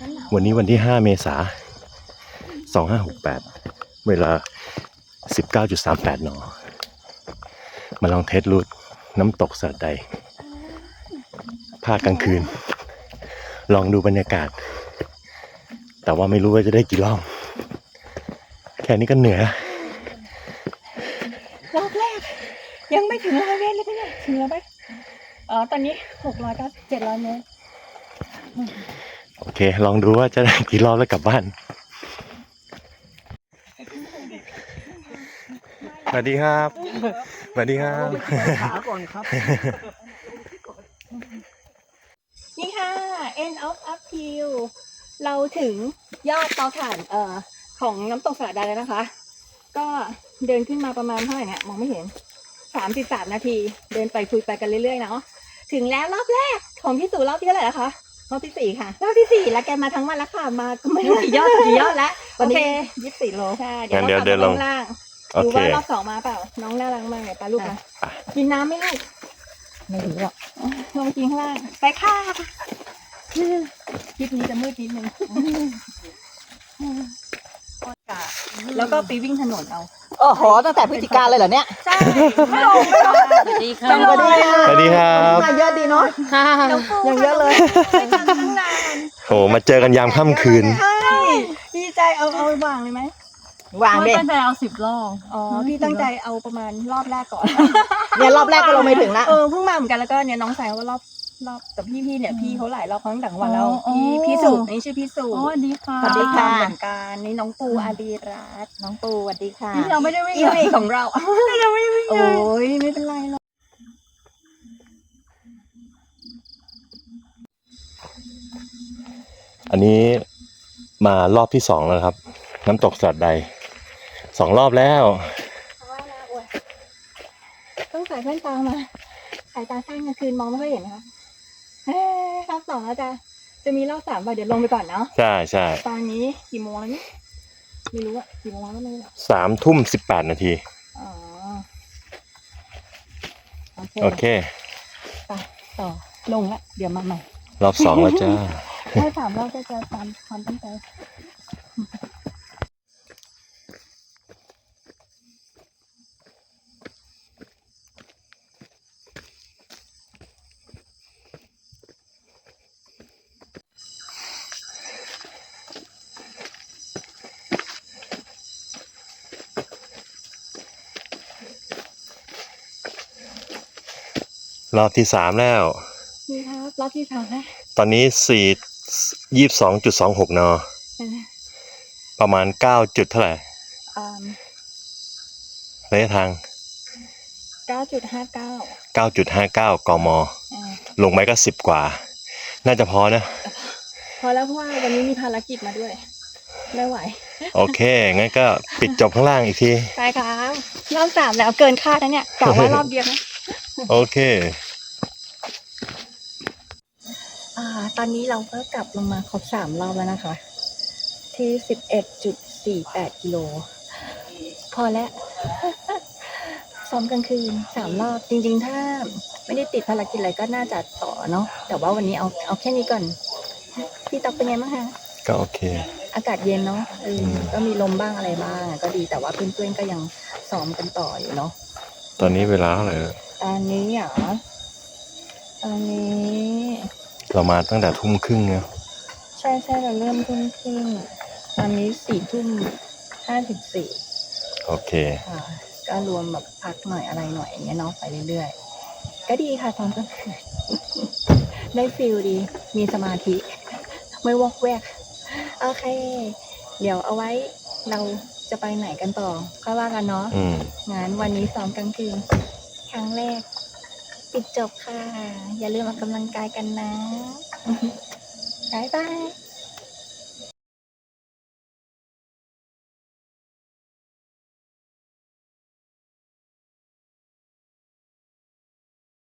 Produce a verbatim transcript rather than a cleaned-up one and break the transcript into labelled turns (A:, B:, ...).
A: วันนี้วันที่ห้าเมษายนสองห้าหกแปดเวลา สิบเก้าจุดสามแปด น.มาลองเทสรูทน้ำตกสะใดภาคกลางคืนลองดูบรรยากาศแต่ว่าไม่รู้ว่าจะได้กี่รอบแค่นี้ก็เหนื่อย
B: รอบแรกยังไม่ถึงร้อยเมตรเลยพี่เนี่ยถึงแล้วไหมอ๋อตอนนี้หกร้อยเก้าสิบเจ็ดร้อยเมตร
A: โอเคลองดูว่าจะได้กี่รอบแล้วกลับบ้านสวัสดีครับสวัสดีครับ
C: ขาก่อนครับ
B: นี่ค่ะ end of uphill เราถึงยอดเตาถ่านเอ่อของน้ำตกสะใดแล้วนะคะ ก็เดินขึ้นมาประมาณเท่าไหร่เนี่ยมองไม่เห็นสามสิบสามนาทีเดินไปคุยไปกันเรื่อยๆเนาะถึงแล้วรอบแรกของพี่สู่รอบที่เท่าไหร่แล้วคะรอบที่สี่ค่ะรอบที่สี่แล้วแกมาทั้งวันแล้วค่ะมาไม่รู้กี่ยอดกี่ยอดแล้วโอเคยี่สิบสี่โลใช่เดี๋ยวเราเดินลงล่างดูว่ารอบสองมาเปล่าน้องน่ารักมากเลยป้าลูกนะกินน้ำไหมลูกไม่ถึงหรอกลงกินข้างล่างไปค่ะคลิปนี้จะมืดนิดนึงแล้วก็ไปวิ่งถนนเอา
C: โอ้โหตั้งแต่พฤศจิกาเลยเหรอเนี่ย
B: ใช่ไม่ลงไม่ลงสวัสดีค่ะ
C: สวัสดีค่ะ
A: สวัสดีครับ
C: มาเยอะดีเนาะยังเยอะเลย
B: ไม่ทันตั้งนาน
A: โหมาเจอกันยามค่ำคืน
B: ใช่ดีใจเอาเอาวางเลยไหม
C: วางเด็
B: ตั้งใจเอาสิบรอบอ๋อพี่ตั้งใจเอาประมาณรอบแรกก่อน
C: เนี่ยรอบแรกก็ลงไม่ถึงละ
B: เออเพิ่งมาเหมือนกันแล้วก็เนี่ยน้องสายว่ารอบรอบแต่พี่พี่เนี่ยพี่เขาหลายรอบทั้งต่างวันแล้วพี่พี่สุนี่ชื่อพี่สุ
D: สวัสดีค่ะ
B: สวัสดีค่ะเหมือนกันนี่น้องปูอาดีรัตน์
C: น้องปูสวัสดีค่ะ
B: เราไม่ได้วิ่งเลยของเราเราไม่ได้วิ่งเลยโอ้ยไม่เป็นไรหรอก
A: อันนี้มารอบที่สองแล้วครับน้ำตกสะใดสองรอบแล้ว
B: ต้องใส่แว่นตามาสายตาสั้นกลางคืนมองไม่ค่อยเห็นนะคะรอบสองแล้วจ้ะจะมีรอบสามป่ะเดี๋ยวลงไปก่อนเนาะ
A: ใช่ใช่
B: ตอนนี้กี่โมงแล้วนี่ไม่รู้อะกี่โมงแล้วไม่รู้
A: สามทุ่มสิบแปดนาที
B: อ๋อ
A: โอเค
B: ไปต่อลงละเดี๋ยวมาใหม่
A: รอบสองแล้วจ้า
B: ถ้าสามรอบก็จะตามความตั้งใจ
A: รอบที่สามแล้ว
B: นี่ครับรอบที่สามแล้ว
A: ตอนนี้สี่ยี่สิบสองจุดสองหกนประมาณเก้าจุดเท่าไหร่ระยะทาง
B: เก้าจุดห้าเก้า
A: เก้าจุดห้าเก้ากมลงไปก็สิบกว่าน่าจะพอนะ
B: พอแล้วเพราะว่าวันนี้มีภารกิจมาด้วยไม่ไหว
A: โอเคงั้นก็ปิดจบข้างล่างอีกที
B: ใช่ครับรอบสามแล้วเกินคาดนะเนี่ยกะว่ารอบเดียวนะ
A: โอเค
B: อ่าตอนนี้เราก็กลับลงมาครบสามรอบแล้วนะคะที่สิบเอ็ดจุดสี่แปดกิโลพอแล้วซ้อมกลางคืนสามรอบจริงๆถ้าไม่ได้ติดภารกิจอะไรก็น่าจะต่อเนาะแต่ว่าวันนี้เอาเอาแค่นี้ก่อนพี่ต๊อกเป็นไงบ้างคะ
A: ก็โอเค
B: อากาศเย็นเนาะเออก็มีลมบ้างอะไรบ้างก็ดีแต่ว่าเพื่อนๆก็ยังซ้อมกันต่ออยู่เนาะ
A: ตอนนี้เวลาเท่าไหร่
B: ตอนนี้เหรอตอนนี้
A: เรามาตั้งแต่ทุ่มครึ่งเนี่ย
B: ใช่ใช่เราเริ่มทุ่มครึ่งตอนนี้สี่ทุ่มห้าสิบสี่
A: โอเค
B: ค่ะก็รวมแบบพักหน่อยอะไรหน่อยอย่างเงี้ยเนาะไปเรื่อยๆก็ดีค่ะตอนกลางคืนได้ฟีลดีมีสมาธิไม่วอกแวกโอเคเดี๋ยวเอาไว้เราจะไปไหนกันต่อก็ว่ากันเนาะงั้นวันนี้ซ้อมกลางคืนครั้งแรกปิดจบค่ะอย่าลืมออกกำลังกายกันนะบ๊ายบาย